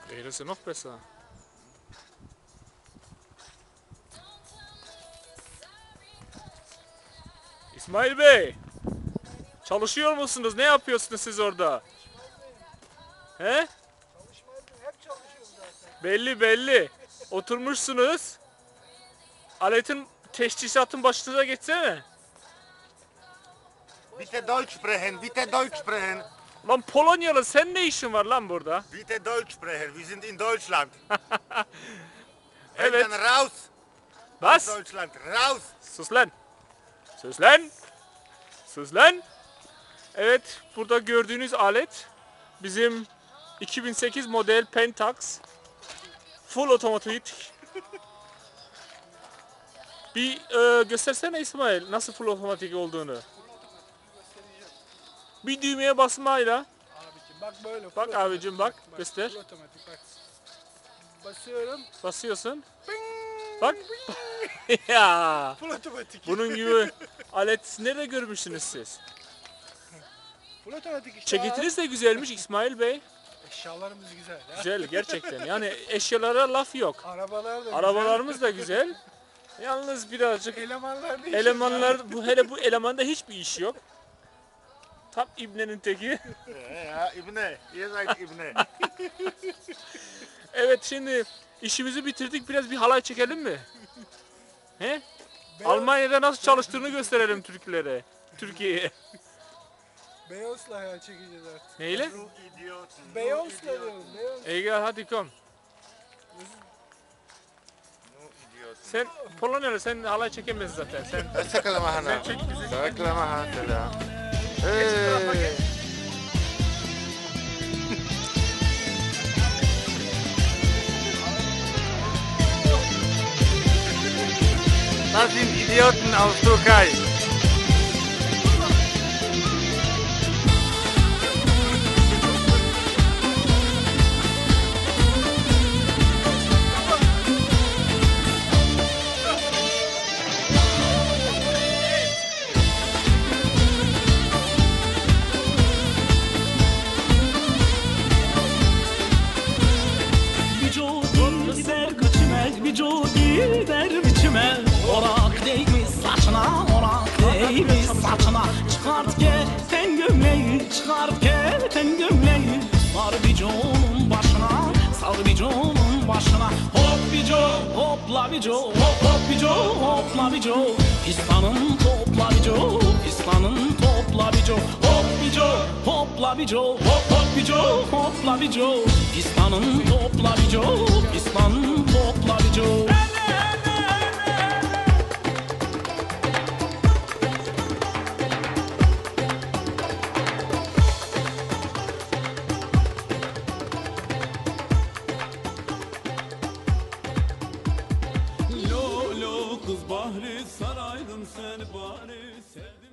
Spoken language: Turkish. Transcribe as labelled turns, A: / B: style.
A: Das ist ja noch besser. İsmail Bey, çalışıyor musunuz? Ne yapıyorsunuz siz orada? He?
B: Hep çalışıyoruz zaten.
A: Belli belli. Oturmuşsunuz. Aletin teşhisatın başınıza geçsene.
C: Bitte Deutsch sprechen, bitte Deutsch sprechen.
A: Lan Polonyalı, sen ne işin var lan burada?
C: Bitte Deutsch sprechen, wir sind in Deutschland.
A: Evet.
C: Dann raus aus
A: Was?
C: Deutschland, raus.
A: Sus lan. Sus lan. Sus lan. Evet, burada gördüğünüz alet bizim 2008 model Pentax. Full otomatik. Bir göstersene İsmail nasıl full otomatik olduğunu. Bir düğmeye basmayla.
B: Abicim bak böyle.
A: Bak
B: full
A: abicim,
B: otomatik.
A: bak, göster.
B: Full otomatik bak. Basıyorum.
A: Basıyorsun. Bak. Ya.
B: Full otomatik.
A: Bunun gibi alet nerede görmüşsünüz siz?
B: Full otomatik işte.
A: Ceketiniz de güzelmiş İsmail Bey.
B: Eşyalarımız güzel ya.
A: Güzel gerçekten. Yani eşyalara laf yok.
B: Arabalar da
A: Arabalarımız da güzel. Yalnız birazcık
B: güzel. Elemanlar da
A: elemanlar, bu hele bu elemanda hiçbir iş yok. Tam ibnenin teki.
C: Ja, İbne, ihr seid İbne.
A: Evet, şimdi işimizi bitirdik. Biraz bir halay çekelim mi? He? Almanya'da nasıl çalıştığını gösterelim Türklere. Türkiye'ye.
B: Beyoz'la ya çekeceğiz artık.
A: Neyle?
C: Du Idioten.
B: Beyoz'la diyorum. Beyoz.
A: Egal, hadi kom.
C: Du Idioten.
A: Sen Polonyalı, sen halay çekemezsin zaten. Sen
C: Sakala mahana.
A: çek bizi.
C: Sakala mahana.
A: Hey.
C: Das sind Idioten aus Türkei.
D: Vücudu gider biçime. Orak değmiş saçına, orak değmiş saçına. Çıkart keten gömleği, çıkart keten gömleği. Sar biconun başına, sar biconun başına. Hop bico, hopla bico, hop hop bico, hopla bico. Pistanın topla bico, pistanın topla bico. Hop bico, hopla bico, hop hop bico, hopla bico. Pistanın topla bico, pistanın topla bico.
E: Lo lo kız Bahri saraydın seni bari sevdim.